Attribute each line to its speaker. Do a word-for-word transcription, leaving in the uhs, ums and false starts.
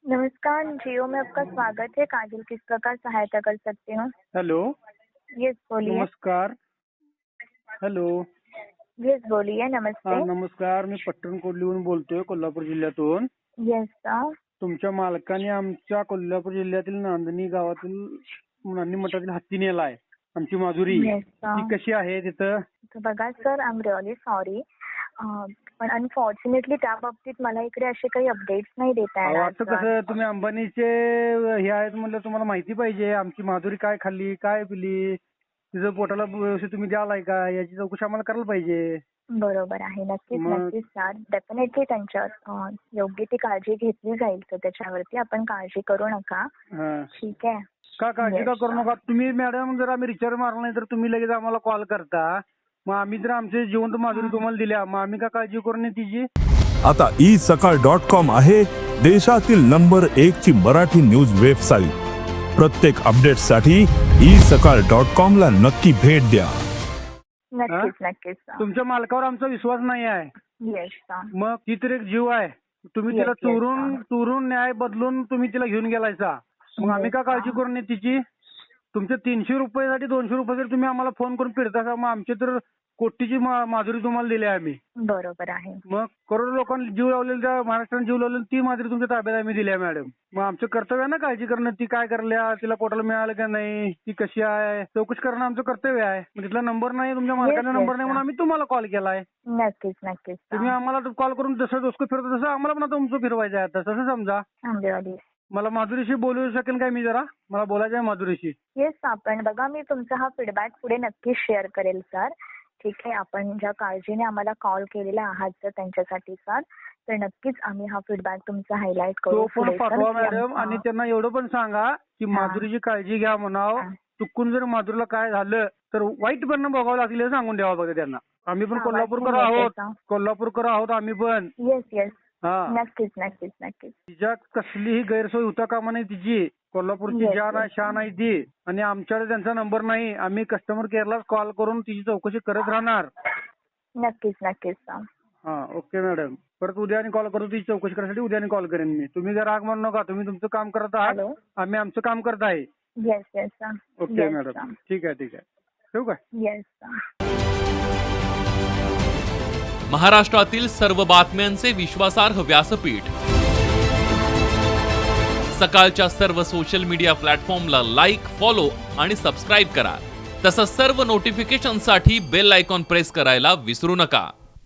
Speaker 1: नमस्कार, जियो में आपका स्वागत है। काजल, किस प्रकार सहायता कर सकती हूँ?
Speaker 2: हेलो।
Speaker 1: यस, बोलिए।
Speaker 2: नमस्कार। हेलो।
Speaker 1: यस, बोलिए।
Speaker 2: हा
Speaker 1: नमस्ते।
Speaker 2: नमस्कार, मी पट्टण कोल्लीहून बोलतोय, कोल्हापूर जिल्ह्यातून.
Speaker 1: Yes sir.
Speaker 2: तुमच्या मालकाने आमच्या कोल्हापूर जिल्ह्यातील नांदणी गावातील नांदणी मठातील हत्ती नेलाय, आमची माधुरी.
Speaker 1: यस
Speaker 2: ती
Speaker 1: सर.
Speaker 2: कशी आहे तिथं?
Speaker 1: तर बघा sir, I am really sorry, पण अनफॉर्च्युनेटली त्या बाबतीत मला इकडे असे काही अपडेट्स नाही देता
Speaker 2: अहो,
Speaker 1: येणार
Speaker 2: असं
Speaker 1: सर.
Speaker 2: कसं, तुम्ही अंबानीचे हे आहेत म्हणलं, तुम्हाला माहिती पाहिजे आमची माधुरी काय खाल्ली, काय पिली, तिचं पोटाला व्यवस्थित तुम्ही द्यालाय का, याची चौकशी आम्हाला करायला पाहिजे.
Speaker 1: बरोबर आहे. नक्कीच
Speaker 2: मग
Speaker 1: नक्कीच सर. डेफिनेटली त्यांच्या अं, योग्य ती काळजी घेतली जाईल, तर त्याच्यावरती आपण काळजी करू नका.
Speaker 2: हा.
Speaker 1: ठीक आहे.
Speaker 2: का काळजी का
Speaker 1: Yes,
Speaker 2: करू
Speaker 1: sir.
Speaker 2: नका तुम्ही मॅडम. जर आम्ही रिचार्ज मारला नाही तर तुम्ही लगेच आम्हाला कॉल करता. मग आम्ही जर आमचे जिवंत माधुरी तुम्हाला दिल्या, मग आम्ही का काळजी करू नये तिची?
Speaker 3: आता ई सकाळ डॉट कॉम आहे देशातील नंबर एक ची मराठी न्यूज वेबसाईट. प्रत्येक अपडेटसाठी ई सकाळ डॉट कॉम ला नक्की भेट द्या.
Speaker 1: नक्कीच नक्कीच सर.
Speaker 2: तुमच्या मालकावर आमचा विश्वास नाही आहे.
Speaker 1: Yes sir.
Speaker 2: मग ती तर एक जीव आहे. तुम्ही
Speaker 1: Yes,
Speaker 2: तिला
Speaker 1: yes,
Speaker 2: चोरून
Speaker 1: sir.
Speaker 2: चोरून न्याय बदलून तुम्ही तिला घेऊन गेलायचा. मग आम्ही
Speaker 1: Yes,
Speaker 2: का काळजी
Speaker 1: sir.
Speaker 2: करू नये तिची? तुमचे तीनशे रुपयासाठी दोनशे रुपये जर तुम्ही आम्हाला फोन करून फिरता, मग आमची तर कोटीची मा- माधुरी तुम्हाला दिली आहे आम्ही.
Speaker 1: बरोबर आहे.
Speaker 2: मग करोडो लोकांनी जीव लावलेला, त्या महाराष्ट्राने जीव लावलेला, ती माधुरी तुमच्या ताब्यात आम्ही दिली आहे मॅडम. मग आमचं कर्तव्य आहे ना काळजी करणं. ती काय करल्या, तिला पोटाला मिळालं का नाही, ती कशी आहे, चौकशी करणं आमचं कर्तव्य आहे. मग तिथला नंबर नाही, तुमच्या मालकाचा
Speaker 1: Yes,
Speaker 2: नंबर
Speaker 1: yes,
Speaker 2: नाही, म्हणून
Speaker 1: sir.
Speaker 2: आम्ही तुम्हाला कॉल केलाय.
Speaker 1: नक्कीच नक्कीच
Speaker 2: तुम्ही आम्हाला कॉल करून जसं डोसकं फिरतो तसं आम्हाला पण आता तुमचं फिरवायचं आहे आता, तसं समजा.
Speaker 1: आंबेवाडी.
Speaker 2: मला माधुरीशी बोलू शकेल काय मी जरा? मला बोलायचं आहे माधुरीशी.
Speaker 1: येस, आपण बघा, मी तुमचा हा फीडबॅक पुढे नक्कीच शेअर करेल सर. ठीक आहे. आपण ज्या काळजीने आम्हाला कॉल केलेला आहात सर त्यांच्यासाठी सर, तर नक्कीच आम्ही हा फीडबॅक तुमचा हायलाईट
Speaker 2: तो
Speaker 1: करू
Speaker 2: पण
Speaker 1: पुढे,
Speaker 2: पाठवा
Speaker 1: सर.
Speaker 2: मॅडम. आणि त्यांना एवढं पण सांगा की माधुरीची काळजी घ्या म्हणावं.
Speaker 1: हा.
Speaker 2: चुकून जर माधुरीला काय झालं तर वाईट परिणाम भोगावं लागले हे सांगून द्यावं बघा त्यांना. आम्ही पण
Speaker 1: हा,
Speaker 2: कोल्हापूरकर
Speaker 1: वाचून
Speaker 2: आहोत.
Speaker 1: घेते, sir.
Speaker 2: कोल्हापूरकर आहोत आम्ही पण.
Speaker 1: Yes yes.
Speaker 2: हा.
Speaker 1: नक्कीच नक्कीच नक्कीच.
Speaker 2: तिच्या कसलीही गैरसोय होता कामा नाही तिची. कोल्हापूरची
Speaker 1: Yes,
Speaker 2: जान आहे,
Speaker 1: yes.
Speaker 2: शान आहे ती. आणि आमच्याकडे त्यांचा नंबर नाही. आम्ही कस्टमर केअरला कॉल करून तिची चौकशी करत राहणार.
Speaker 1: नक्कीच नक्कीच सर.
Speaker 2: हा, ओके मॅडम. परत उद्या आणि कॉल करतो तिची चौकशी करण्यासाठी. उद्या आणि कॉल करेन मी. तुम्ही जर राग मानू नका. तुम्ही तुमचं काम करत आहात,
Speaker 1: हॅलो.
Speaker 2: आम्ही आमचं काम करत आहे.
Speaker 1: Yes yes sir.
Speaker 2: Okay
Speaker 1: yes
Speaker 2: madam.
Speaker 1: Sir.
Speaker 2: ठीक आहे ठीक आहे. ठेवू का?
Speaker 1: Yes sir.
Speaker 4: महाराष्ट्रातील सर्व बातम्यांचे विश्वासार्ह व्यासपीठ. सकाळच्या सर्व सोशल मीडिया प्लॅटफॉर्मला लाईक, फॉलो आणि सबस्क्राईब करा. तसंच सर्व नोटिफिकेशनसाठी बेल आयकॉन प्रेस करायला विसरू नका.